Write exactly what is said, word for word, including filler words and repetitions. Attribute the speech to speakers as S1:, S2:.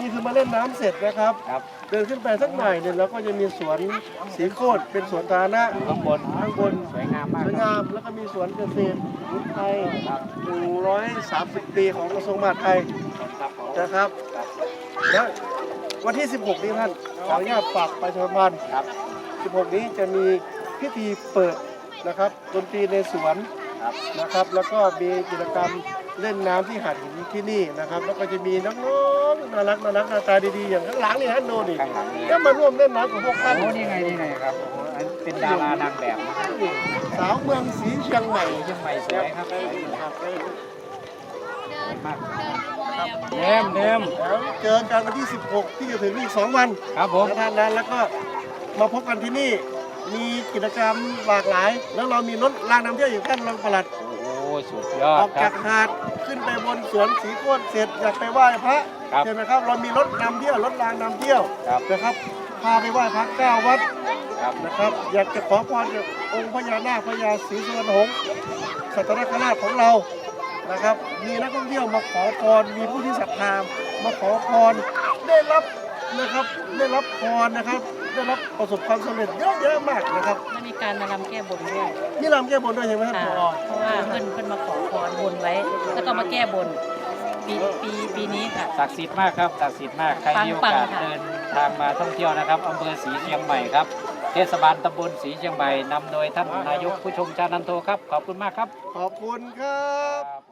S1: นี่คือมาเล่นน้ำเสร็จนะครับเดินขึ้นไปสักหน่อยเนี่ยเราก็จะมีสวนสีโคตรเป็นสวนสาธารณะข้างบนข้างบนสวยงามมากสวยงามแล้วก็มีสวนเกษตรพุทธไทยหนึ่งร้อยสามสิบปีของกระทรวงมหาดไทยนะครับและวันที่สิบหกนี้ท่านขออนุญาตฝากประชาสัมพันธ์สิบหกนี้จะมีพิธีเปิดนะครับดนตรีในสวนนะครับแล้วก็มีกิจกรรมเล่นน้ำที่หาดหินที่นี่นะครับแล้วก็จะมีน้องๆน่ารักน่ารักหน้าตาดีๆอย่างข้างหลังนี่ท่านดูนี่ก็มาร่วมเล่นน้ำกับพวกท่าน
S2: โอ้นี่ไงนี่ไงครับโอ้เป็นดารานางแบบนะครับ
S1: สาวเมืองศรีเชียงใหม่
S2: เชียงใหม่สวยครับ
S1: ครับ
S2: มากเดิมเดิม
S1: แล้วเจอกันวันที่สิบหกที่จะถึงอีกสองวัน
S2: ครับผม
S1: ท่านนั้นแล้วก็มาพบกันที่นี่มีกิจกรรมหลากหลาย แล้วเรามีรถรางน้ำเที่ยวอยู่ท่านรองปลัด
S2: โอ้สุดยอ
S1: อ
S2: ด
S1: อก
S2: ครั
S1: จา
S2: บ
S1: กหาดขึ้นไปบนสวนสีโคตรเสร็จอยากไปไหว้พระใช่ไหมครับเรามีรถนำเที่ยวรถรางนำเที่ยวนะครับพาไปไหว้พระเก้าวัดนะครับอยากจะขอพรจากองค์พญานาคพญาศรีสุวรรณหงษ์สัตนคราชของเรานะครับมีนักท่องเที่ยวมาขอพรมีผู้ที่ศรัทธามาขอพรได้รับนะครับได้รับพรนะครับได้รับประสบความสำเร็จเยอะแยะมากนะครับ
S3: มันมีการมารำแก้บนด้วย
S1: มีรำแก้บนด้วยใช่ไหมครับ
S3: ค่ะ
S1: ผอ
S3: เพราะว่าเพื่อนเพื่อนมาขอพรบนไว้ แล้วก็มาแก้บนปีปีปีนี้ค่ะ
S2: ศักดิ์สิทธิ์มากครับศักดิ์สิทธิ์มากใครมีโอกาส
S3: ปังๆค่ะ
S2: เดินทางมาท่องเที่ยวนะครับอำเภอศรีเชียงใหม่ครับเทศบาลตำบลศรีเชียงใหม่นำโดยท่านนายกผู้ชมชานันโทครับขอบคุณมากครับ
S1: ขอบคุณครับ